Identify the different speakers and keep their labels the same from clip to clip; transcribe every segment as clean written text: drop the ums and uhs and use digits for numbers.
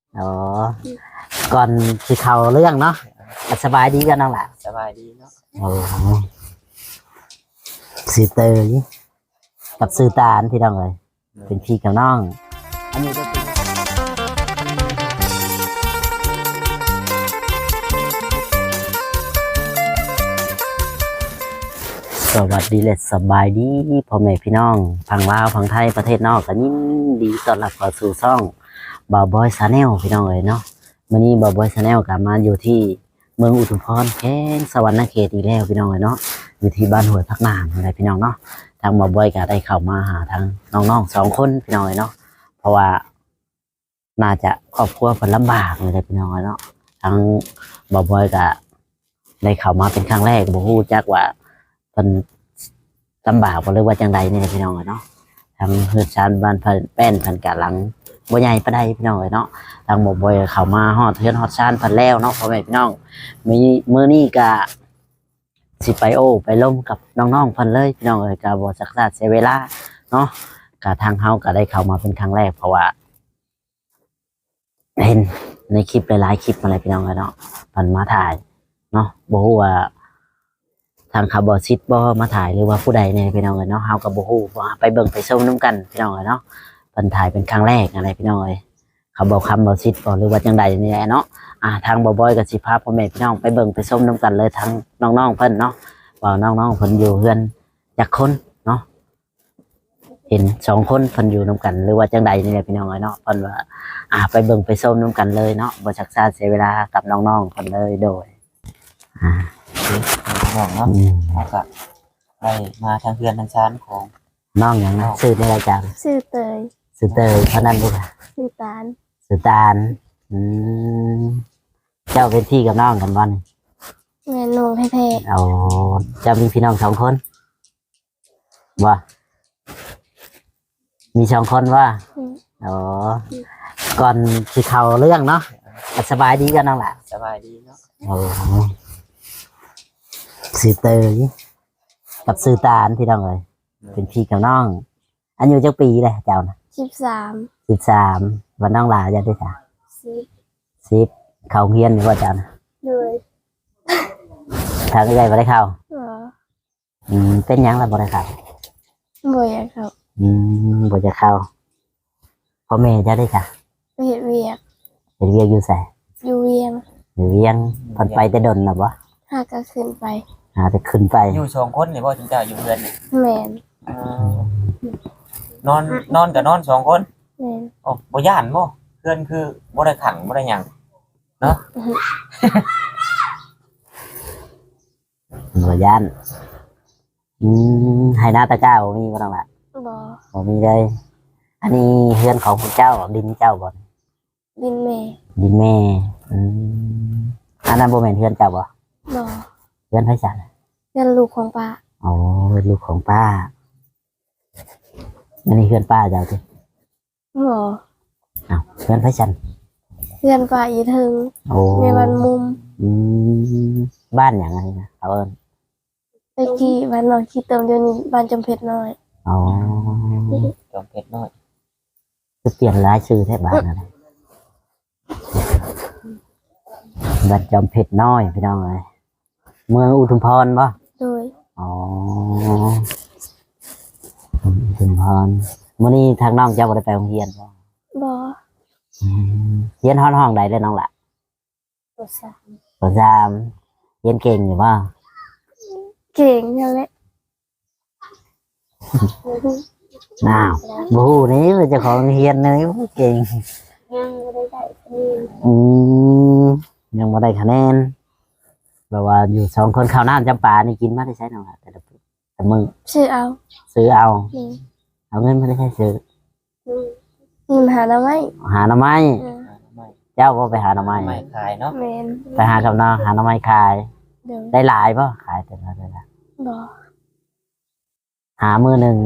Speaker 1: อ๋อก่อนที่เขาเรื่องเนาะสบายดีกันน้องล่ะ
Speaker 2: สบายดีเนาะ
Speaker 1: โอ้สื่อเตยกับสื่อตาลพี่น้องเลยเป็นพี่กับน้องอันนี้ก็เป็นสวัสดีและสบายดีพ่อแม่พี่น้องพังลาวพังไทยประเทศนอกกันยินดีต้อนรับเข้าสู่ช่องบ่าวบอยชาแนลพี่น้องเลยเนาะวันนี้บ่าวบอยชาแนลกลับมาอยู่ที่เมืองอุทุมพรแข้งสวรรณเขตอีกแล้วพี่น้องเลยเนาะอยู่ที่บ้านห้วยพักนางอะไรพี่น้องเนาะทางบ่าวบอยก็ได้เข้ามาหาทางน้องๆ2 คนพี่น้องเลยเนาะเพราะว่าน่าจะครอบครัวเพิ่นลำบากเลยพี่น้องเลยเนาะทั้งบ่าวบอยก็ได้เข้ามาเป็นครั้งแรกบ่ฮู้จักว่าเพิ่นลำบากบ่หรือว่าจังใดนี่พี่น้องเนาะทางเฮือนชานบ้านเพิ่นแป้นเพิ่นกะหลังบ่ใหญ่ปานใดพี่น้องเนาะทางบ่บ่อยเข้ามาฮอดเฮือนฮอดชานเพิ่นแล้วเนาะพ่อแม่พี่น้องมื้อนี้ก็สิไปไปล่มกับน้องๆเพิ่นเลยพี่น้องก็บ่ซักษาเสียเวลาเนาะก็ทางเฮาก็ได้เข้ามาเป็นครั้งแรกเพราะว่าเห็นในคลิปหลายๆคลิปอะไรพี่น้องเนาะเพิ่นมาถ่ายเนาะบ่ฮู้ว่าทางคาร์บอซิตบ่มาถ่ายหรือว่าผู้ใดเนี่ยพี่น้องเนาะเฮาก็บ่ฮู้ว่าไปเบิ่งไปชมนํกันพี่น้องเนาะเพิ่นถ่ายเป็นครั้งแรกอะไรพี่น้องเขาบอกคำบ่ซิตบ่หรือว่าจังใดนี่แหละเนาะทางบ่บอยก็สิพาพ่อแม่พี่น้องไปเบิ่งไปชมนํกันเลยทั้งน้องๆเพิ่นเนาะว่าน้องๆเพิ่นอยู่เฮือนจักคนเนาะเห็น2 คนเพิ่นอยู่นํกันหรือว่าจังใดนี่แหละพี่น้องเนาะเพิ่นว่าไปเบิ่งไปชมนํกันเลยเนาะบ่ชักช้าเสียเวลากับน้องๆเพิ่นเลยโดย
Speaker 2: น้องเนาะแล้วก็ได้มาทางเพื่อนทางชั้นของ
Speaker 1: น้องอย่างนั้นชื่อในรายการ
Speaker 3: ชื่อเตย
Speaker 1: ชื่อเตยเท่านั้นลูก
Speaker 3: ชื่อตาล
Speaker 1: ชื่อตาลเจ้าเป็นพี่กับน้องกันบ่นี่
Speaker 3: แม่นงแท้
Speaker 1: เอาเจ้ามีพี่น้อง2 คนบ่มี2 คนว่าอ๋อก่อนที่เขาเรื่องเนาะสบายดีกันน้องล่ะ
Speaker 2: สบายดีเนาะ
Speaker 1: โอ้ชื่อเตยกับชื่อตาลพี่น้องเลยเป็นพี่กับน้องอายุจักปีเลยเจ้านะ13วันน้องหลาจะได้จ้ะ10เขาเฮียนอยู่ว่าเจ้านะ
Speaker 3: เลย
Speaker 1: ทางใหญ่บ่ได้เข้า
Speaker 3: อ๋อ
Speaker 1: เป็นหยังล่ะบ่ได้เข้า
Speaker 3: บ่อยากครับ
Speaker 1: บ่จะเข้าพ่อแม่จะได้จ้ะ
Speaker 3: ไปเฮ็ดเวียก
Speaker 1: อยู่ไส
Speaker 3: อยู่เวียง
Speaker 1: อยู่เวียงเพิ่นไปแต่ดนน่ะบ่
Speaker 3: หาก็ขึ้นไป
Speaker 1: แต่ขึ้นไป
Speaker 2: อยู่2 คนนี่บ่ถึงจะอยู่เพื่อนนี่
Speaker 3: แม่น
Speaker 2: นอนก็นอน2 คน
Speaker 3: แม่น
Speaker 2: โอ้บ่ย่านบ่เพื่อนคือบ่ได้ขังบ่ได้หยังเนาะ
Speaker 1: บ่ย่านให้หน้าตะกร้าบ่มีบ่ต้องล่ะบ่มีเลยอันนี้เฮือนของคุณเจ้าดินเจ้าบ่
Speaker 3: ดินแม่
Speaker 1: ดินแม่อันนั้นบ่แม่นเฮือนเจ้าบ่
Speaker 3: บ่
Speaker 1: เฮือนไผจ้ะ
Speaker 3: เฮือนลูกของป้า
Speaker 1: อ๋อลูกของป้าอันนี้เฮือนป้าเจ้าติ
Speaker 3: บ่
Speaker 1: อ้าวเฮือนไผจ้ะ
Speaker 3: เฮือนป้าอีถึง
Speaker 1: โอ้
Speaker 3: ในบ้านมุม
Speaker 1: บ้านหยังไงนะเขาเอิ้น
Speaker 3: ตะกี้บ้านน้อยขี้เติมเดี๋ยวนี้บ้านจำเพชรน้อย
Speaker 1: อ๋อ
Speaker 2: จอมเพชรน้อย
Speaker 1: คือเปลี่ยนหลายชื่อแท้บ้านอะไรบ้านจอมเพชรน้อยพี่น้องเอ้ยเมืองอุทุมพรบ่
Speaker 3: โดย
Speaker 1: อ๋ออุทุมพรมื้อนี้ทางน้องเจ้าบ่ได้ไปโรงเรียนบ่
Speaker 3: บ่
Speaker 1: เรียนห้องใดเลยน้องล่ะ
Speaker 3: ป
Speaker 1: ป .3 เรียนเก่งอยู่บ่
Speaker 3: เก่งนั่นแหละ
Speaker 1: น้าวบ่ฮู้นี่ว่าเจ้าของเรียนเลยเก่ง
Speaker 3: ยังบ่ได้
Speaker 1: ยังบ่ได้คะแนนแบบว่าอยู่2 คนข้าวน้ำจำปานี่กินมาได้ใช้น้องล่ะแต่มึง
Speaker 3: ซื้อเอา
Speaker 1: เอาเงินมาได้ใช้ซื้อ
Speaker 3: หาหน่อไม้
Speaker 1: เจ้าก็ไปหาหน่อไม้
Speaker 2: ขายเนาะ
Speaker 1: ไปหากับน้องหาหน่อไม้ขายได้หลายป่ะขายแต่ละบ่หามือหนึ่ง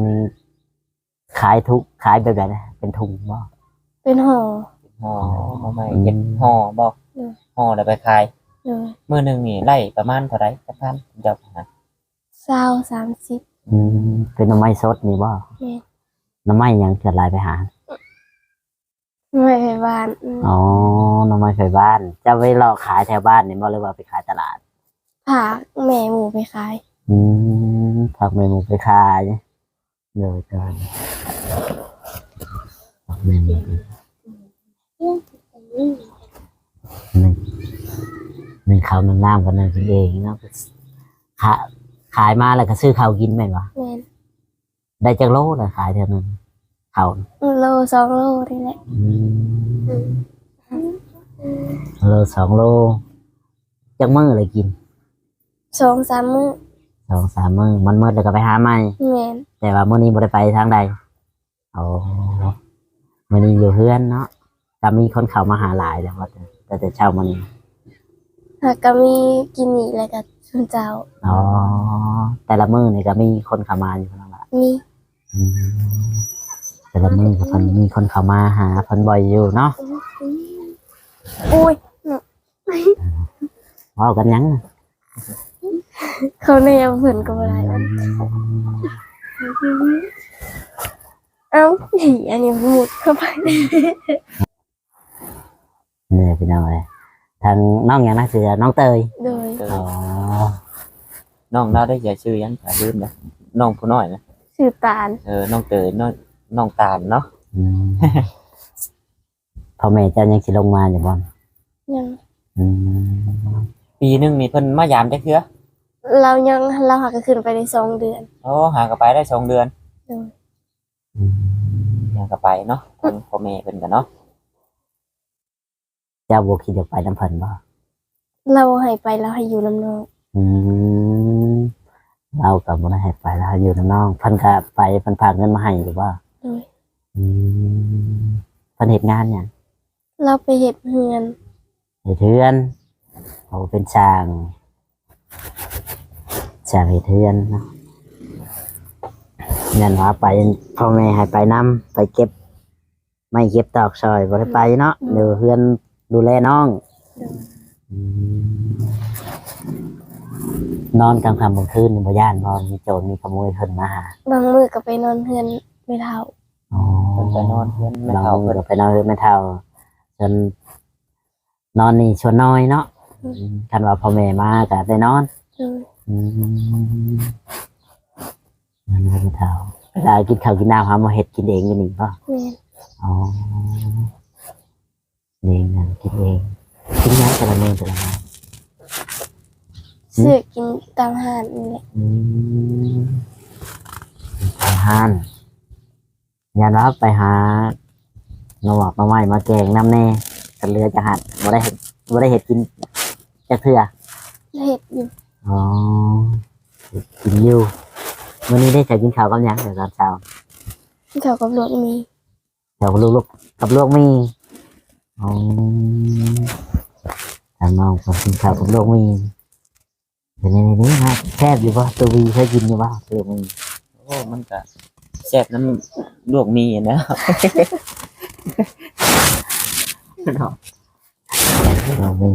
Speaker 1: ขายแบบไหนเป็นถุงบ่
Speaker 3: เป็นห่อ
Speaker 2: หน่อไม้เก็บห่อบ่ห่อแล้วไปขายมือหนึ่งนี่ไล่ประมาณเท่าไหร่จักพันเจ้านะ
Speaker 3: 20-30
Speaker 1: เป็นหน่อไม้สดนี่บ่หน่อไม้ยังเกิดลายไปหา
Speaker 3: ไม่ไปบ้าน
Speaker 1: อ๋อหน่อไม้ไฟบ้านจะไปรอขายแถวบ้านนี่บ่หรือว่าไปขายตลาด
Speaker 3: ผากแม่หมูไปขาย
Speaker 1: ผักเมนูไปขายเดี๋ยวกันผักเมนูหนึ่งข้าวหนึ่งน้ำกันหนึ่งกินเองเนาะขายขายมาแล้วก็ซื้อข้าวกินแม่นวะ
Speaker 3: แม่น
Speaker 1: ได้จากโลเลยขายเท่านั้นข้าว
Speaker 3: โล2 โลนี่แหละ
Speaker 1: โล2 โลจากมื้อเลยกิน
Speaker 3: 2-3 มื้อ
Speaker 1: 2-3 มื้อมันมืดแล้วก็ไปหาใหม่
Speaker 3: แม่น
Speaker 1: แต่ว่ามื้อนี้บ่ได้ไปทางใดโอ้มื้อนี้อยู่เฮือนเนาะก็มีคนเข้ามาหาหลายแล้วว่าแต่เช้ามื้อนี้
Speaker 3: หากก็มีกินนี่แล้วก็ชุนเจ้า
Speaker 1: อ๋อแต่ละมื้อนี่ก็มีคนเข้ามาอยู่แล้วล่ะ
Speaker 3: มี
Speaker 1: อืมแต่ละมื้อก็เพิ่นมีคนเข้ามาหาเพิ่นบ่อยอยู่เนาะ
Speaker 3: อุ้ย
Speaker 1: เว้ากันหยัง
Speaker 3: เขาแนวเพิ่นก็บ่ได้เอ้าอันนี้หมุดเข้าไป
Speaker 1: นี่พี่น้องเอ้ยทางน้องหยังนะชื่อน้องเตย
Speaker 3: โดย
Speaker 1: อ๋อ
Speaker 2: น้องเราได้อย่าชื่อยังอย่าลืมนะน้องผู้น้อยนะ
Speaker 3: ชื่อตาล
Speaker 2: น้องเตยน้องตาลเนาะ
Speaker 1: อืมพ่อแม่เจ้ายังสิลงมาอยู่บ่
Speaker 3: ยัง
Speaker 1: อืม
Speaker 2: ปีหนึงนี่เพิ่นมายามจักเทื่อ
Speaker 3: เราหาก็ขึ้นไปได้2 เดือน
Speaker 2: โอ้หากนไปได้2 เดือน
Speaker 3: โดย
Speaker 1: อืม
Speaker 2: หากนไปเนาะทางพ่อแม่เพิ่นกันเนาะ
Speaker 1: เจ้าบ่คิดจะไปน้ำเพิ่นบ่
Speaker 3: เราให้ไปเราให้อยู่ลำนอง
Speaker 1: อืมเรากับบ่ได้ให้ไปแล้วอยู่น้ำน้องเพิ่นก็ไปเพิ่นฝากเงินมาให้หรือว่า
Speaker 3: โดย
Speaker 1: อืมเพิ่นเฮ็ดงานหยัง
Speaker 3: เราไปเฮ็ดเฮือน
Speaker 1: เฮ็ดเฮือนโอ้เป็นช่างเฮ็ดเฮือนเนาะนั่นว่าไปพ่อแม่ให้ไปนํไปเก็บไม่เก็บตอกซอยบ่ได้ไปเนาะเดี๋ยวเฮือนดูแลน้อง อืมนอนกลางค่ำกลางคืนนี่บ่ย่านบ่มีโจรมีขโมยเพิ่นมาหา
Speaker 3: บางมื้อก็ไปนอนเฮือนไม่เท่า
Speaker 1: อ๋อ
Speaker 2: เพิ่นไปนอนเพิ่นแม่
Speaker 1: เรา
Speaker 2: เฒ่าเพิ่น
Speaker 1: ไปนอนเฮือนแม่เฒ่าจนนอนนี่ชวนน้อยเนาะคันว่าพ่อแม่มาก็ได้นอน
Speaker 3: โดย
Speaker 1: อืมนั่นแม่เฒ่าเวลากินข้าวกินน้ำหามาเฮ็ดกินเองอยู่นี่ป่ะ
Speaker 3: แม่น
Speaker 1: อ๋อเองนะกินเองกินน้ำแต่ละมื้อแต่ละมื้อ
Speaker 3: ซื้อกินตามห้างนี่แหละ
Speaker 1: อืมอาหารอย่ารับไปหาหน่อหมอกหน่อไม้มาแกงน้ำแน่กันเรือจะหัดบ่ได้เห็ดกินจักเทื่อ
Speaker 3: เฮ็ดอยู่
Speaker 1: อ๋อเฮ็ดกินอยู่วันนี้ได้ใส่กินข้าวกับหยังเดี๋ยวตอนเช้า
Speaker 3: เขากับรถมี
Speaker 1: เดี๋ยวลูกๆกับลูกมีอ๋อทางน้องก็กินข้าวกับลูกมีเดี๋ยวในนี้นะแซ่บอยู่ป่ะตัววีเคยกินอยู่ป่ะลูกมี
Speaker 2: โอ้มันก็แซ่บน้ำลวกมีนะ
Speaker 1: เราไม่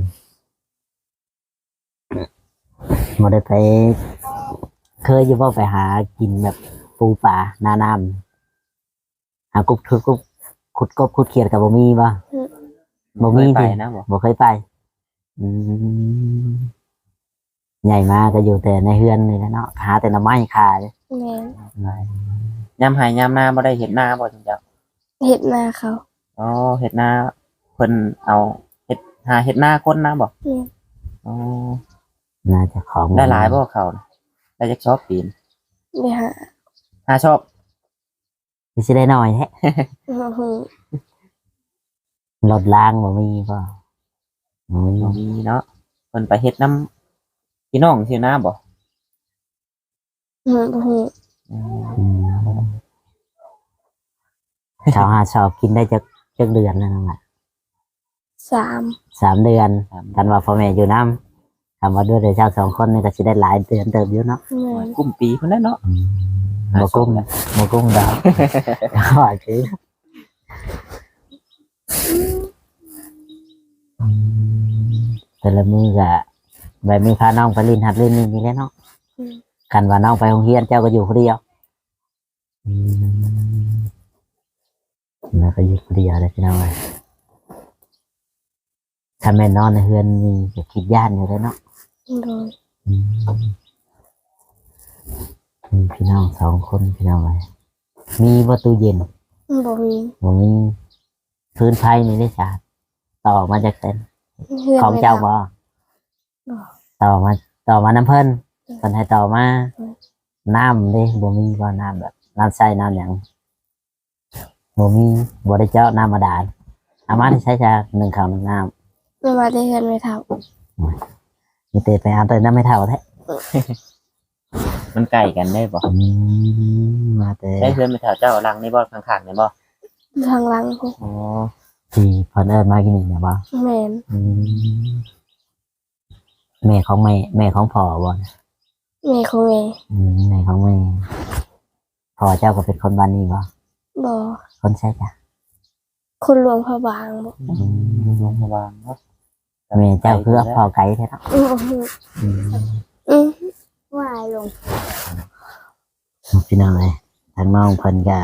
Speaker 1: บ่ได้ไป เคยอยู่บ่ไปหากินแบบปูปลาหน้าน้ำหากบขุดกบขุดเขียดกับบ่มีบ่บ่มี
Speaker 2: ไป
Speaker 1: ที่
Speaker 2: นะบ่
Speaker 1: บ่เคยไป อืมใหญ่มาก็อยู่แต่ในเฮือนนี่แหละเนาะหาแต่หน่อไม้ขาย
Speaker 3: แม่น
Speaker 2: ยามหายามนาบ่ได้เห็ดนาบ่จังจัง
Speaker 3: เฮ็ดนาเขา
Speaker 2: อ๋อเห็ดนาเพิ่นเอาเห็ดหาเห็ดนาคนนะบ่
Speaker 3: แม่น
Speaker 2: อ๋อ
Speaker 1: น่าจะของ
Speaker 2: ได้หลายบ่เขาน่ะได้จักชอบปีน
Speaker 3: ไปหา
Speaker 2: หาชอบ
Speaker 1: สิได้น้อยแท้
Speaker 3: หู
Speaker 1: รถล้างบ่มีบ่บ่มี
Speaker 2: บ่มีเนาะเพิ่นไปเฮ็ดน้ำพี่น้องชื่อนาบ่
Speaker 3: หู
Speaker 1: อืมชาวหาชอบกินได้จักเดือนนั่นแหละ
Speaker 3: 3
Speaker 1: 3 เดือนกันว่าพ่อแม่อยู่น้ำคำว่าด้วยเดี๋ยวเจ้า2 คนนี่ก็สิได้หลายเดือนเติบอยู่เนาะ
Speaker 3: แม่น
Speaker 2: กุมปีเพิ่นแหล้วเนาะ
Speaker 1: บ่กุ้งบ่กุ้งดาวว่าคือแต่ละมือก็แบบมีพาน้องไปลินหัดเล่นนี่แหละเนาะกันว่าน้องไปโรงเรียนเจ้าก็อยู่คนเดียวแล้วก็อยู่คนเดียวเลยพี่น้องเลยถ้าแม่นอนในเฮือนมีจะคิดย่านอยู่แล้วเนาะ
Speaker 3: โดย
Speaker 1: อืมมีพี่น้องสองคนพี่น้องเลยมีประตูเย็น
Speaker 3: บ่มี
Speaker 1: ผมมีพื้นไฟนี่ได้จ้ะต่อมาจากเต็น
Speaker 3: เฮือน
Speaker 1: ของ
Speaker 3: ไม่
Speaker 1: เจ้า
Speaker 3: ทำ
Speaker 1: บ่
Speaker 3: บ่
Speaker 1: ต่อมาน้ำเพิ่นเพิ่นให้ต่อมาน้ำเด้บ่มีบ่น้ำแบบน้ำใส่น้ำหยังบ่มีบ่ได้เจาะน้ำบาดาลเอามาที่ใช้จากหนึ่งข้าวหนึ่งน้
Speaker 3: ไม่มาได้เฮือนไม่ท
Speaker 1: ำมีแต่ไปเอาแต่น้ำไม่เท่าแท้
Speaker 2: มันไก่กันได้บ่
Speaker 1: มาแต่
Speaker 2: ใช้เพื่อนไปแถวเจ้ารังในบ่ข้างๆเนี่ยบ่
Speaker 3: ำทางหลังพวก
Speaker 2: อ๋อ
Speaker 1: ที่เพิ่นเอิ้นมากินนี่นะบ่
Speaker 3: แม่น
Speaker 1: อืมแม่ของแม่ของพ่อบ่
Speaker 3: แม่ของแม่
Speaker 1: แม่ของแม่พ่อเจ้าก็เป็นคนบ้านนี้บ่
Speaker 3: บ่
Speaker 1: คนใช่จ้ะ
Speaker 3: คนหลวงพระบางบ่
Speaker 2: โรงพยาบาลเนาะ
Speaker 1: แม่เจ้าคือพ่อไก่แท้เนาะ
Speaker 3: อือ
Speaker 1: อืม
Speaker 3: อือว่าลง
Speaker 1: พี่น้องเลยทางน้องเพิ่นก็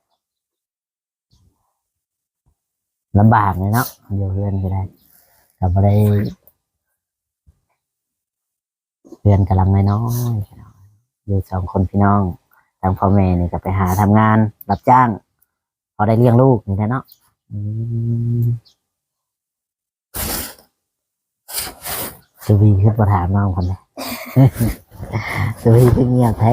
Speaker 1: ลำบากเลยเนาะอยู่เรือนก็ได้ก็บ่ได้เรือนกำลังน้อยๆพี่น้องอยู่สองคนพี่น้องทางพ่อแม่นี่ก็ไปหาทำงานรับจ้าง พอได้เลี้ยงลูกนี่แหละเนาะอืมสุวีขึ้นมาถามน้องคนเลย สุวีคือเงียบแท้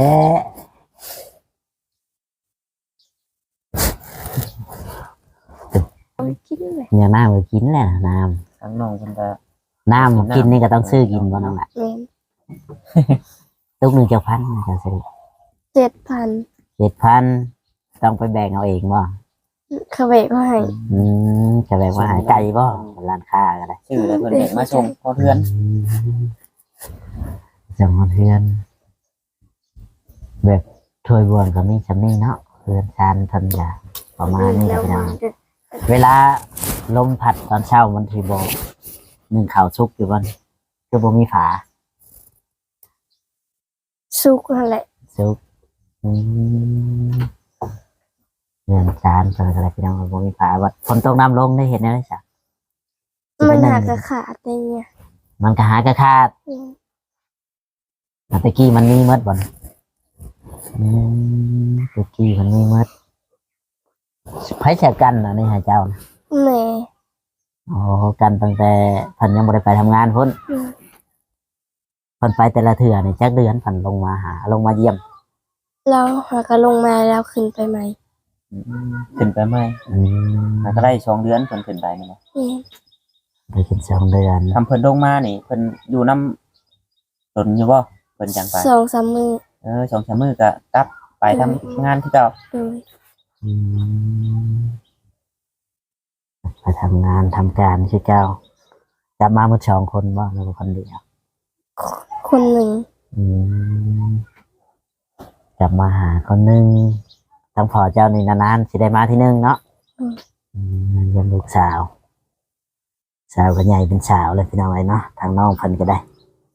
Speaker 3: เอาไปกินเลย
Speaker 1: เงียบน้ำก็กินแหละน้
Speaker 2: ทั้งน้องเพิ่นก็
Speaker 1: ำน้ำกินนี่ก็ต้องซื้อกินบ่น้องละ
Speaker 3: แม่น
Speaker 1: ตุกหนึ่งเจ้าพันนะจะซื้อ
Speaker 3: 7,000
Speaker 1: 7,000ต้องไปแบ่งเอาเองบ่
Speaker 3: เขาเบกก็ให้
Speaker 1: จะแบ่งว่าหายไก่บ่ร้านค้าก็ได้
Speaker 2: ชื่อแล้วเพิ่นเด็กมาส่งพอเพื่อน
Speaker 1: จังหวัดเพื่อนแบบถ้วยบวงก็มีจำนี่เนาะเพื่อนชานทันยาประมาณนี้
Speaker 3: แล้ว
Speaker 1: พี่น้อง
Speaker 3: มันจะ
Speaker 1: เวลาลมพัดตอนเช้ามันทีโบหนึ่งข่าวซุกอยู่บนคือบ่มีฝา
Speaker 3: สุกนั่นแหละ
Speaker 1: ซุกเงินจานเป็นอะไรพี่น้องบ่มีฝาวัดฝนตกน้ำลงได้เห็นไหมจ๊ะ
Speaker 3: มันหากระขาดได้เนี่ย
Speaker 1: มันก็หากระคาด
Speaker 3: อืม
Speaker 1: ตะกี้มันมีเมดบ่นตะกี้มันมีเมดไผแชร์กันนะนี่ให้เจ้านะ
Speaker 3: แม่
Speaker 1: อ๋อกันตั้งแต่เพันยังบ่ได้ไปทำงานพุ่น
Speaker 3: อืม
Speaker 1: เพันไปแต่ละเถื่อนี่จักเดือนเพันลงมาหาลงมาเยี่ยม
Speaker 3: เราหากระลงมาแล้วขึ้นไปใหม่
Speaker 2: ขึ้นไปไหมแล้วก็ได้2เดือนเพิ่นขึ้นไปแม่นบ่
Speaker 3: แม่น
Speaker 1: ไปกิน2 เดือน
Speaker 2: ทำเพิ่นลงมานี่เพิ่นอยู่นำตนอยู่บ่เพิ่นจังไป
Speaker 3: 2-3 มื้อ
Speaker 2: 2-3มื้อก็กลับไปทำงานที่เก่า
Speaker 3: โดย
Speaker 1: อืมไปทำงานทำการที่เจ้าจะมาหมด2 คนบ่หรือว่าคนเดียว
Speaker 3: คนหนึ่ง
Speaker 1: อืมกลับมาหาคนหนึ่งทั้งพ่อเจ้านี่นานๆสิได้มาที่หนึ่งเนาะเยี่ยมลูกสาว สาวก็ใหญ่เป็นสาวเลยพี่น้องไอ้เนาะทางน้องเพันก็ได้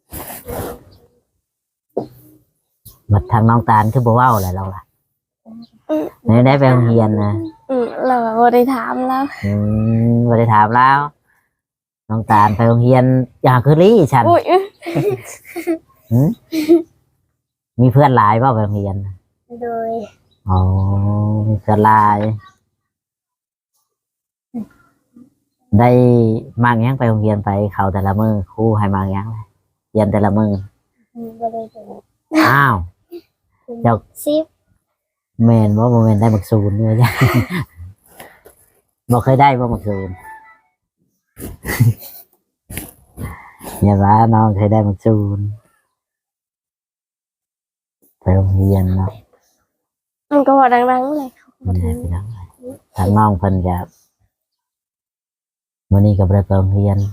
Speaker 1: มาทางน้องตาลคือบ่เว้าอะไรเราล่ะไม่ได้ไปโรงเรียนนะ
Speaker 3: เราบ่ได้ถามแล้ว
Speaker 1: บ่ได้ถามแล้วน้องตาลไปโรงเรียนอยากคือลี่ฉัน
Speaker 3: อุ้ย
Speaker 1: หืมมีเพื่อนหลายเปล่าไปโรงเรียน
Speaker 3: โดย
Speaker 1: อ๋อมีเพื่อนหลาย ได้มากยังไปโรงเรียนไปเขาแต่ละมือครูให้มากยังเลยเรียนแต่ละมือ
Speaker 3: บ่ได้ถึง
Speaker 1: อ้าว
Speaker 3: 10
Speaker 1: แมนว่าโมเมนได้หมักซูนเนี่ยจ้ะ บอกเคยได้ว่าหมักซูน อย่าว่าน้องเคยได้หมักซูนไปโรงเรียนเนาะ
Speaker 3: มันก็บอกดังๆเลย
Speaker 1: มันได้พี่น้องทางน้องเพิ่นกับวันนี้กับไปโรงเรียน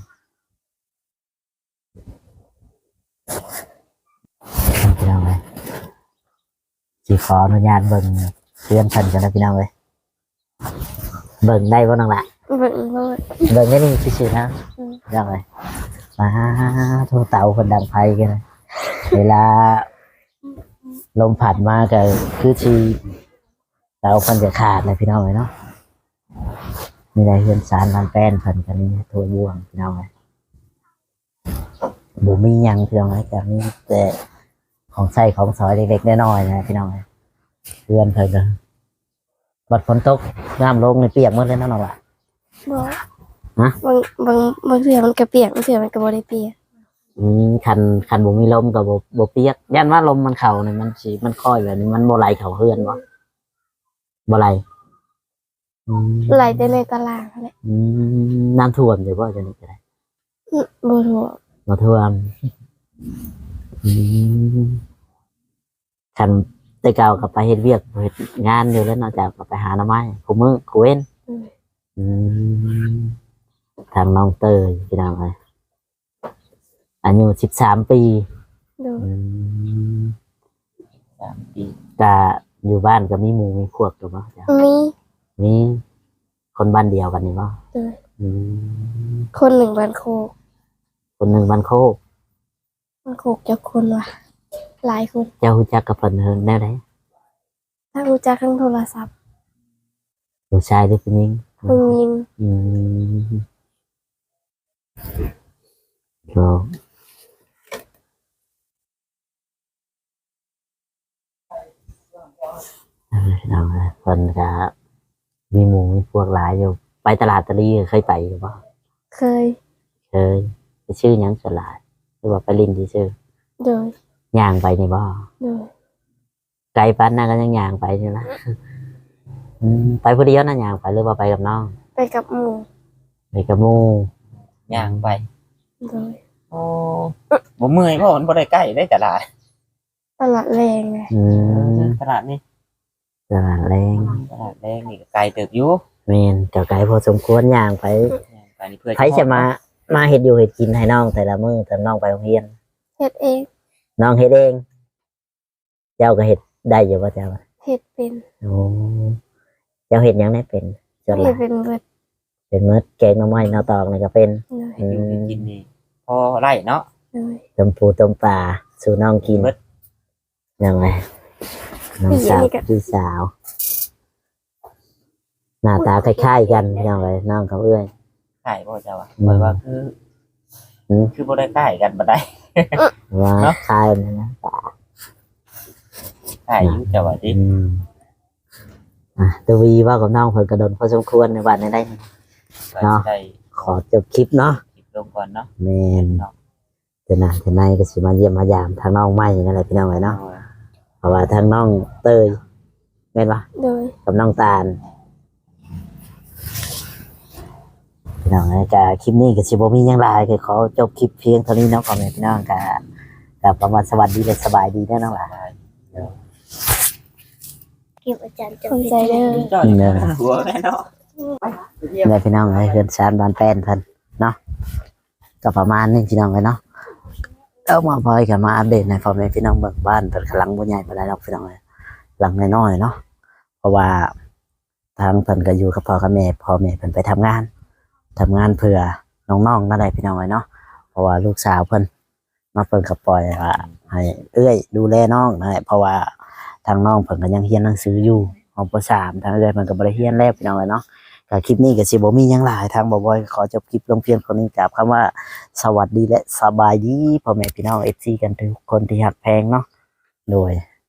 Speaker 1: พี่น้องเลยสิขออนุญาตเบิ่งเพื่อนเพิ่นกันนะพี่น้องเลยเบิ่งได้บ่น้องละ
Speaker 3: เบิ่งเลย
Speaker 1: เบิ่งได้นี่ชื่อๆนะพี่น้องเลยมาโทรเตาคนดังไฟกันนะเวลาลมผัดมาก็คือชีเตาคนจะขาดเลยพี่น้องเลยเนาะมีได้เฮือนสารบ้านแป้นเพิ่นกันนี่ทั่วบ่วงพี่น้องเอ้ยบ่มีหยังพี่น้องเอ้ยก็มีแต่ของใช้ของสอยเล็กๆน้อยๆนะพี่น้องเอ้ยเฮือนเพิ่นก็บัดฝนตกน้ำลงนี่เปียกหมดเลยเนาะน้องล่ะ
Speaker 3: บ่
Speaker 1: ฮะ
Speaker 3: บางเทื่อมันก็เปียกบางเทื่อมันก็บ่ได้เปียก
Speaker 1: คันบ่มีลมก็บ่เปียกย่านว่าลมมันเข้านี่มันสิมันค่อยแบบนี้มันบ่ไหลเข้าเฮือนบ่ไหลอืม
Speaker 3: ไหลแต่ในตารางนั่นแหละ
Speaker 1: น้ำท่วมอยู่บ่จังนี้ก็ได้
Speaker 3: บ่ทั่ว
Speaker 1: บ่ท่วมอืมคันแต่เก่าก็ไปเฮ็ดเวียกเฮ็ดงานอยู่แล้วนอกจากก็ไปหาหน่อไม้คู่มื้อคู่เว้นอืมทางน้องเตยพี่น้องเอ้ยอายุ13 ปี
Speaker 3: โดย
Speaker 1: อืม
Speaker 2: 3 ปี
Speaker 1: ก็อยู่บ้านก็มีหมู่มีพวกถูกบ่จ้ะ
Speaker 3: มี
Speaker 1: มีคนบ้านเดียวกันนี่บ่
Speaker 3: โดย
Speaker 1: อืม
Speaker 3: คนหนึ่งบ้านโคก
Speaker 1: คนหนึงบ้านโคก
Speaker 3: บ้านโคกจะคนว่ะหลายคน
Speaker 1: เจ้ารู้จักกับเพิ่นเฮิงแนวใด
Speaker 3: ทั้งรู้จักทั้งโทรศัพท์
Speaker 1: ผู้ชายหรือผู้หญิง
Speaker 3: ผู้หญิง
Speaker 1: อืมก็เอาละเพิ่นก็มีหมู่มีพวกหลายอยู่ไปตลาดตะลีเคยไปหรือเปล่า
Speaker 3: เคย
Speaker 1: เคยไปชื่อหยังสลาดหรือว่าไปลินที่ชื่อ
Speaker 3: โดย
Speaker 1: ย่างไปนี่บ่
Speaker 3: โดย
Speaker 1: ไกลปานนั้นก็ยังย่างไปอยู่นะไปผู้เดียวนะย่างไปหรือว่าไปกับน้อง
Speaker 3: ไปกับหมู่
Speaker 1: ไปกับหมู่
Speaker 2: ย่างไป
Speaker 3: โดย
Speaker 2: โอ้บ่เมื่อยเพราะมันบ่ได้ใกล้ได้ตลาด
Speaker 3: ตลาดแรงไง
Speaker 1: อืม
Speaker 2: ตลาดนี่
Speaker 1: ตลาดแรง
Speaker 2: ตลาดแรงนี่ก็ไกลเติบอยู่
Speaker 1: แม่นเจ้าไกลพอสมควรย่างไป
Speaker 2: ย่างไปนี่เพื่อ
Speaker 1: ใครจะมาเฮ็ดอยู่เฮ็ดกินให้น้องแต่ละมื้อแต่น้องไปโรงเรียน
Speaker 3: เฮ็ดเอง
Speaker 1: น้องเฮ็ดเอง เจ้าก็เฮ็ดได้อยู่ป่ะเจ้า
Speaker 3: เฮ็ดเป็น
Speaker 1: โอ้เจ้าเฮ็ดหยังได้เป็นส่วนห
Speaker 3: เฮ็
Speaker 1: ลา
Speaker 3: ด
Speaker 1: ย
Speaker 3: เป็นเบิด
Speaker 1: เป็นมื้อแกงหน่อไม้หน่อตอกนี่ก็เป็น
Speaker 3: โดย
Speaker 2: อยู่ให้กินนี่พอไร่เนาะ
Speaker 3: โดย
Speaker 1: ต้มปูต้มปลาสู่น้องกิน
Speaker 2: เบิด
Speaker 1: ยังไงน้องสาวพี่สาว หน้าตาคล้ายๆกันยังไงน้องเขาเอื้อย
Speaker 2: ใช่บ่เจ้าอ่ะบ่ว่าคือบ่ได้ใกล้กันบ่ได้
Speaker 1: ว่า
Speaker 2: เนาะ
Speaker 1: คล้ายกันนะ
Speaker 2: ใช่อยู่เจ้าว่าติ
Speaker 1: ตววีว่ากับน้องเพิ่นกระโดนพอสมควรในวันนี้ได้
Speaker 2: เนาะได้
Speaker 1: ขอจบคลิปเนาะ
Speaker 2: คลิปลงก่อนเนาะ
Speaker 1: แมนจะหนาจะในก็สิมาเยี่ยมมายามทางน้องไม่นั่นแหละพี่น้องไว้เนาะเพราะว่าทางน้องเตยแม่นปะ
Speaker 3: โดย
Speaker 1: กับน้องตาลพี่น้องไอ้กะคลิปนี้ก็สิบ่มีหยังหลายก็ขอจบคลิปเพียงเท่านี้เนาะพ่อแม่พี่น้องกะประมาณสวัสดีและสบายดีแน่น้องหล่ะ
Speaker 3: เก็บอาจารย์คนใจเด้อ
Speaker 2: จ้อยหัวแน่เนาะ
Speaker 1: แม่พี่น้องไอ้เฮือนชานบ้านแป้นเพิ่นเนาะก็ประมาณนี้พี่น้องไอ้เนาะเอามาพอยกันมาอัปเดตในพ่อแม่พี่น้องเบิ่งบ้านเพิ่นกำลังบ่ใหญ่ปานใดดอกพี่น้องเอ้ยหลังน้อยๆเนาะเพราะว่าทางเพิ่นก็อยู่กับพ่อกับแม่พ่อแม่เพิ่นไปทำงานเพื่อน้องๆนั่นแหละพี่น้องเอ้ยเนาะเพราะว่าลูกสาวเพิ่นมาเพิ่นก็ปล่อยว่าให้เอื้อยดูแลน้องนั่นแหละเพราะว่าทางน้องเพิ่นก็ยังเรียนหนังสืออยู่ของป .3 ทางเอื้อยเพิ่นก็บ่ได้เรียนแล้วพี่น้องเอ้ยเนาะก็คลิปนี้ก็สิบ่มีหยังหลายทางบ่บอยขอจบคลิปลงเพียงเท่านี้กับคำว่าสวัสดีและสบายดีพ่อแม่พี่น้อง FC กันทุกคนที่ฮักแพงเนาะโดย